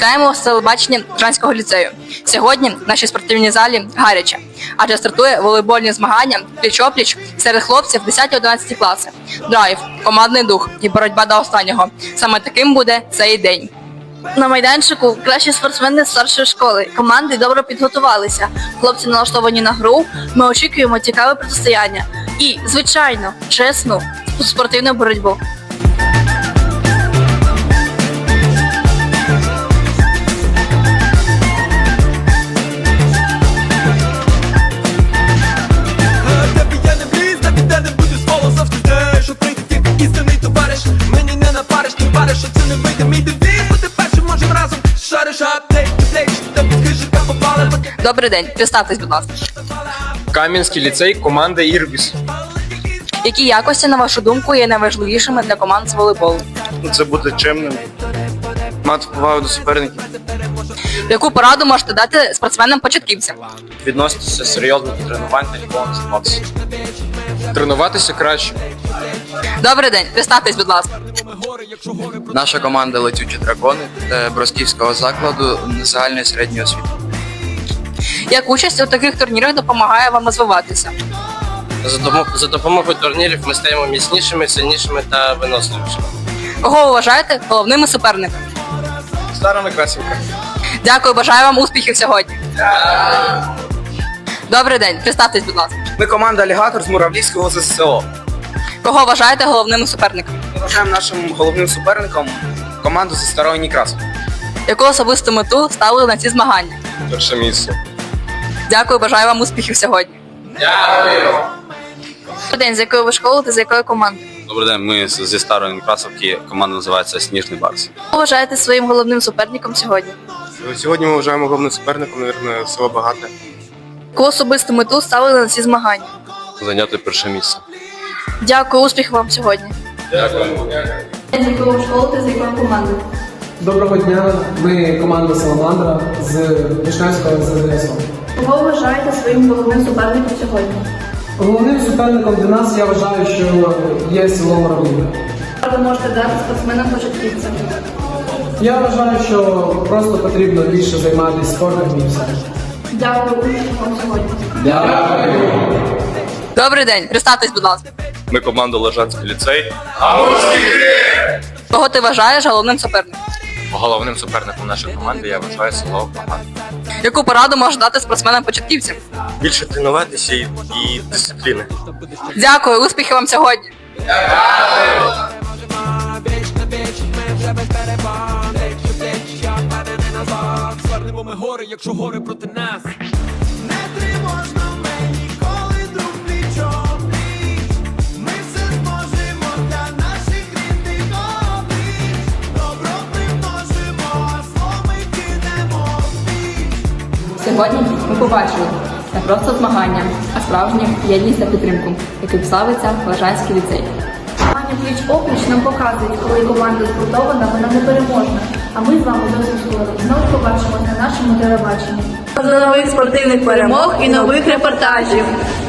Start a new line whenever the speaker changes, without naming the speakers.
Вітаємо вас з телебачення Лежанського ліцею. Сьогодні в нашій спортивній залі гаряче, адже стартує волейбольні змагання пліч-опліч серед хлопців 10-11 класи. Драйв, командний дух і боротьба до останнього. Саме таким буде цей день.
На майданчику кращі спортсмени з старшої школи. Команди добре підготувалися. Хлопці налаштовані на гру. Ми очікуємо цікаве протистояння. І, звичайно, чесну спортивну боротьбу.
Добрий день, представтесь, будь ласка.
Кам'янський ліцей, команда «Ірбіс».
Які якості, на вашу думку, є найважливішими для команд з волейболу?
Це бути чемним, мати повагу до суперників,
Яку пораду можете дати спортсменам-початківцям?
відноситися серйозно до тренувань та ніколи не займатися.
Тренуватися краще.
Добрий день, представтесь, будь ласка.
Наша команда «Летючі дракони» Бросківського закладу загальної середньої освіти.
Як участь у таких турнірах допомагає вам розвиватися?
За допомогою турнірів ми стаємо міцнішими, сильнішими та виносливішими.
Кого ви вважаєте головними суперниками?
Старими красівками.
Дякую, бажаю вам успіхів сьогодні. Добрий день, представтесь, будь ласка.
Ми команда «Алігатор» з Муравлівського ЗСО.
Кого вважаєте головними суперниками?
Ми вважаємо нашим головним суперником команду зі Старої Некрасова.
Яку особисту мету ставили на ці змагання?
Перше місце.
Дякую, бажаю вам успіхів сьогодні.
Добрий день, з якої ви школи та з якої команди?
Добрий день, ми зі Старої Некрасовки, команда називається «Сніжний Барс».
Кого вважаєте своїм головним суперником сьогодні?
Сьогодні ми вважаємо головним суперником, мабуть, село Багате.
Яку особисту мету ставили на ці змагання?
Зайняти перше місце.
Дякую, успіхів вам сьогодні. З якої ви школи та з якої команди?
Доброго дня, ми команда «Саламандра» з Вишневського ЗСО.
Кого вважаєте своїм головним суперником сьогодні?
Головним суперником для нас я вважаю, що є село Муравлівка.
Ви можете дати спортсменам-початківцям?
Я вважаю, що просто потрібно більше займатися спортом і все.
Дякую, успіхів вам сьогодні.
Добрий день, представтесь, будь ласка.
Ми команда «Лежанський ліцей».
Кого ти вважаєш головним суперником?
Головним суперником нашої команди я вважаю село Багате.
Яку пораду можеш дати спортсменам-початківцям?
Більше тренуватися і дисципліни.
Дякую, успіхів вам сьогодні.
Звернемо ми гори, якщо гори проти нас. Не тривожно мені, коли друг пліч-о-пліч. Ми все зможемо для наших рідних облич. Добро примножимо, а зло ми кинемо в піч.
Сьогодні ми побачили не просто змагання, а справжню єдність та підтримку, яким славиться Лежанський ліцей.
Змагання пліч-опліч нам показують, коли команда згуртована, вона непереможна. А ми з вами зовсім скоро знову побачимося на нашому телебаченні. До нових спортивних перемог і нових репортажів.